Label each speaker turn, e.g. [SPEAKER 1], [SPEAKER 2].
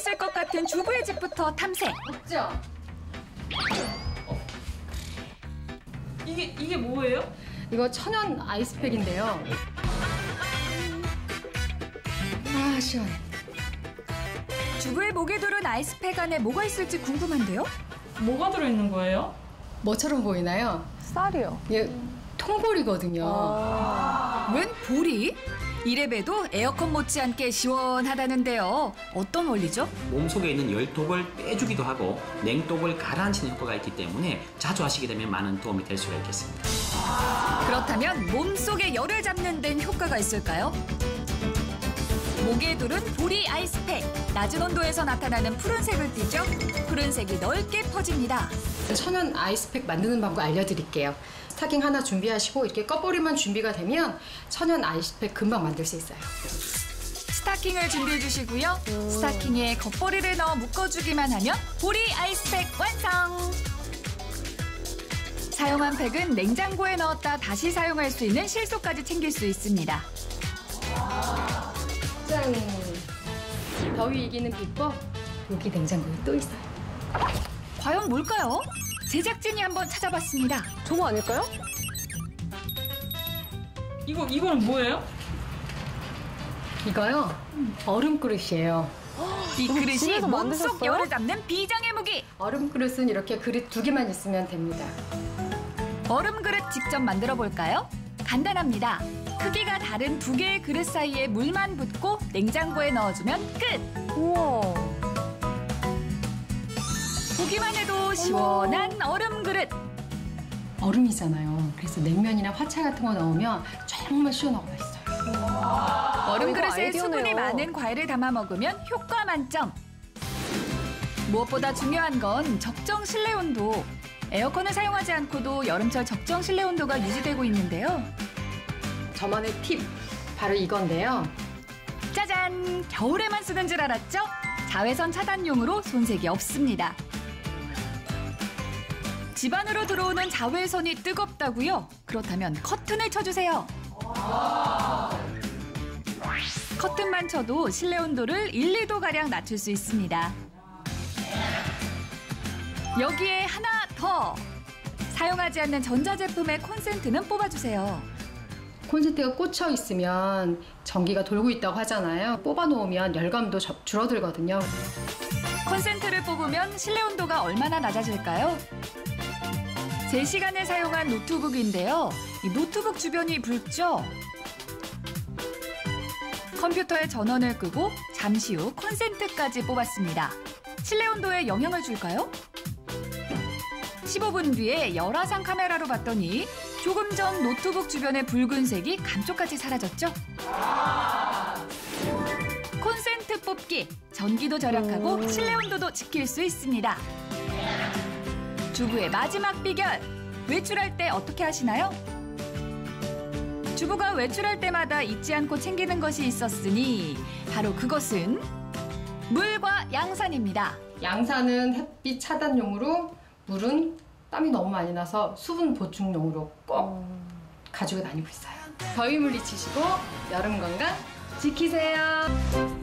[SPEAKER 1] 있을 것 같은 주부의 집부터 탐색.
[SPEAKER 2] 없죠?
[SPEAKER 3] 이게 뭐예요?
[SPEAKER 2] 이거 천연 아이스팩인데요. 아, 시원해.
[SPEAKER 1] 주부의 목에 두른 아이스팩 안에 뭐가 있을지 궁금한데요?
[SPEAKER 3] 뭐가 들어있는 거예요?
[SPEAKER 2] 뭐처럼 보이나요?
[SPEAKER 4] 쌀이요.
[SPEAKER 2] 이게 통보리거든요.
[SPEAKER 1] 웬 보리? 이래봬도 에어컨 못지않게 시원하다는데요. 어떤 원리죠?
[SPEAKER 5] 몸속에 있는 열독을 빼주기도 하고 냉독을 가라앉히는 효과가 있기 때문에 자주 하시게 되면 많은 도움이 될 수가 있겠습니다.
[SPEAKER 1] 그렇다면 몸속에 열을 잡는 데는 효과가 있을까요? 목에 두른 보리 아이스팩. 낮은 온도에서 나타나는 푸른색을 띠죠. 푸른색이 넓게 퍼집니다.
[SPEAKER 2] 천연 아이스팩 만드는 방법 알려드릴게요. 스타킹 하나 준비하시고 이렇게 꺼버리만 준비가 되면 천연 아이스팩 금방 만들 수 있어요.
[SPEAKER 1] 스타킹을 준비해 주시고요. 스타킹에 겉보리를 넣어 묶어주기만 하면 보리 아이스팩 완성! 사용한 팩은 냉장고에 넣었다 다시 사용할 수 있는 실속까지 챙길 수 있습니다.
[SPEAKER 2] 짠! 더위 이기는 비법, 여기 냉장고에 또 있어요.
[SPEAKER 1] 과연 뭘까요? 제작진이 한번 찾아봤습니다.
[SPEAKER 4] 저거 아닐까요?
[SPEAKER 3] 이거는 뭐예요?
[SPEAKER 2] 이거요? 얼음 그릇이에요.
[SPEAKER 1] 이 그릇이
[SPEAKER 4] 집에서
[SPEAKER 1] 몸속
[SPEAKER 4] 만드셨어요?
[SPEAKER 1] 열을 잡는 비장의 무기.
[SPEAKER 2] 얼음 그릇은 이렇게 그릇 2개만 있으면 됩니다.
[SPEAKER 1] 얼음 그릇 직접 만들어 볼까요? 간단합니다. 크기가 다른 2개의 그릇 사이에 물만 붓고 냉장고에 넣어주면 끝!
[SPEAKER 4] 우와.
[SPEAKER 1] 보기만 해도 시원한 얼음 그릇.
[SPEAKER 2] 얼음이잖아요. 그래서 냉면이나 화채 같은 거 넣으면 정말 시원하고 맛있어요.
[SPEAKER 1] 얼음
[SPEAKER 4] 이거
[SPEAKER 1] 그릇에
[SPEAKER 4] 아이디어네요.
[SPEAKER 1] 수분이 많은 과일을 담아 먹으면 효과 만점. 무엇보다 중요한 건 적정 실내 온도. 에어컨을 사용하지 않고도 여름철 적정 실내 온도가 유지되고 있는데요.
[SPEAKER 2] 저만의 팁, 바로 이건데요.
[SPEAKER 1] 짜잔! 겨울에만 쓰는 줄 알았죠? 자외선 차단용으로 손색이 없습니다. 집 안으로 들어오는 자외선이 뜨겁다고요? 그렇다면 커튼을 쳐주세요. 커튼만 쳐도 실내 온도를 1, 2도가량 낮출 수 있습니다. 여기에 하나 더! 사용하지 않는 전자제품의 콘센트는 뽑아주세요.
[SPEAKER 2] 콘센트가 꽂혀 있으면 전기가 돌고 있다고 하잖아요. 뽑아놓으면 열감도 줄어들거든요.
[SPEAKER 1] 콘센트를 뽑으면 실내 온도가 얼마나 낮아질까요? 제 시간에 사용한 노트북인데요. 이 노트북 주변이 붉죠? 컴퓨터의 전원을 끄고 잠시 후 콘센트까지 뽑았습니다. 실내 온도에 영향을 줄까요? 15분 뒤에 열화상 카메라로 봤더니 조금 전 노트북 주변의 붉은색이 감쪽같이 사라졌죠? 콘센트 뽑기, 전기도 절약하고 실내 온도도 지킬 수 있습니다. 주부의 마지막 비결, 외출할 때 어떻게 하시나요? 주부가 외출할 때마다 잊지 않고 챙기는 것이 있었으니 바로 그것은 물과 양산입니다.
[SPEAKER 2] 양산은 햇빛 차단용으로, 물은 땀이 너무 많이 나서 수분 보충용으로 꼭 가지고 다니고 있어요. 더위 물리치시고 여름 건강 지키세요.